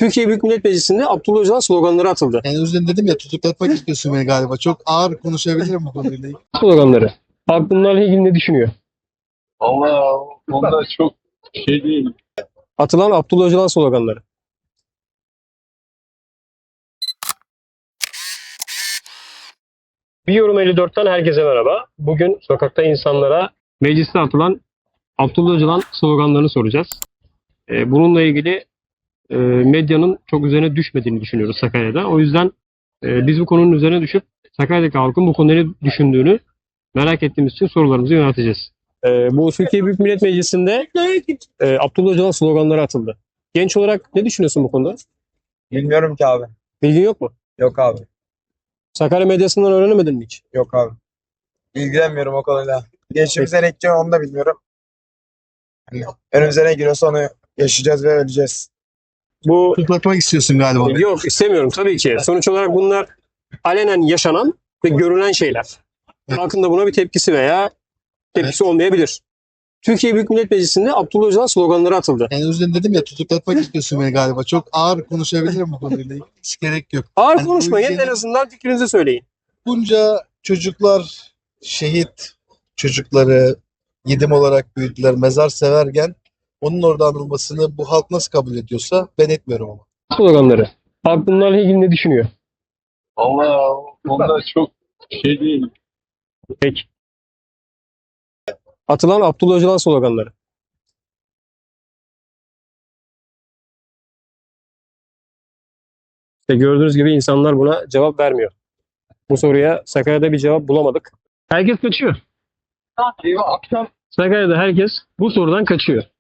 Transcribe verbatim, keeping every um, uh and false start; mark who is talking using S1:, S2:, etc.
S1: Türkiye Büyük Millet Meclisi'nde Abdullah Öcalan sloganları atıldı.
S2: Yani özden dedim ya, tutuklatmak istiyorsun beni galiba. Çok ağır konuşabilirim bu konuyla ilgili.
S1: Sloganları. Halk bunlarla ilgili ne düşünüyor?
S3: Allah onda çok şey değil.
S1: Atılan Abdullah Öcalan sloganları. Bir Yorum elli dörtten herkese merhaba. Bugün sokakta insanlara mecliste atılan Abdullah Öcalan sloganlarını soracağız. Ee, bununla ilgili e, medyanın çok üzerine düşmediğini düşünüyoruz Sakarya'da. O yüzden e, biz bu konunun üzerine düşüp Sakarya'daki halkın bu konuda ne düşündüğünü merak ettiğimiz için sorularımızı yönelteceğiz. Ee, bu Türkiye Büyük Millet Meclisi'nde e, Abdullah Öcalan sloganları atıldı. Genç olarak ne düşünüyorsun bu konuda?
S4: Bilmiyorum ki abi.
S1: Bilgin yok mu?
S4: Yok abi.
S1: Sakarya medyasından öğrenemedin mi hiç?
S4: Yok abi. İlgilenmiyorum o konuyla. Geçimize ne gideceğim onu da bilmiyorum. Hani önümüze ne giriyorsa onu yaşayacağız ve öleceğiz.
S1: Bu
S2: Tutuklatmak istiyorsun galiba.
S1: yok istemiyorum tabii ki. Sonuç olarak bunlar alenen yaşanan ve görülen şeyler. Halkın da buna bir tepkisi veya tepkisi olmayabilir. Türkiye Büyük Millet Meclisi'nde Abdullah Öcalan sloganları atıldı.
S2: Yani özden dedim ya, tutuklatmak istiyorsun beni galiba. Çok ağır konuşabilirim bu konuyla ilgili. Hiç gerek yok.
S1: Ağır
S2: Yani bu
S1: konuşmayın,
S2: ülkenin-
S1: en azından fikrinizi söyleyin.
S2: Bunca çocuklar şehit çocukları yedim olarak büyüdüler, mezar severken onun orada anılmasını bu halk nasıl kabul ediyorsa ben etmiyorum ama.
S1: Sloganları. Halk bunlarla ilgili ne düşünüyor?
S3: Allah onda çok şey değil.
S1: Peki. Atılan Abdullah Öcalan sloganları. İşte gördüğünüz gibi insanlar buna cevap vermiyor. Bu soruya Sakarya'da bir cevap bulamadık. Herkes kaçıyor.
S3: Eyvah akşam
S1: Sakarya'da herkes bu sorudan kaçıyor.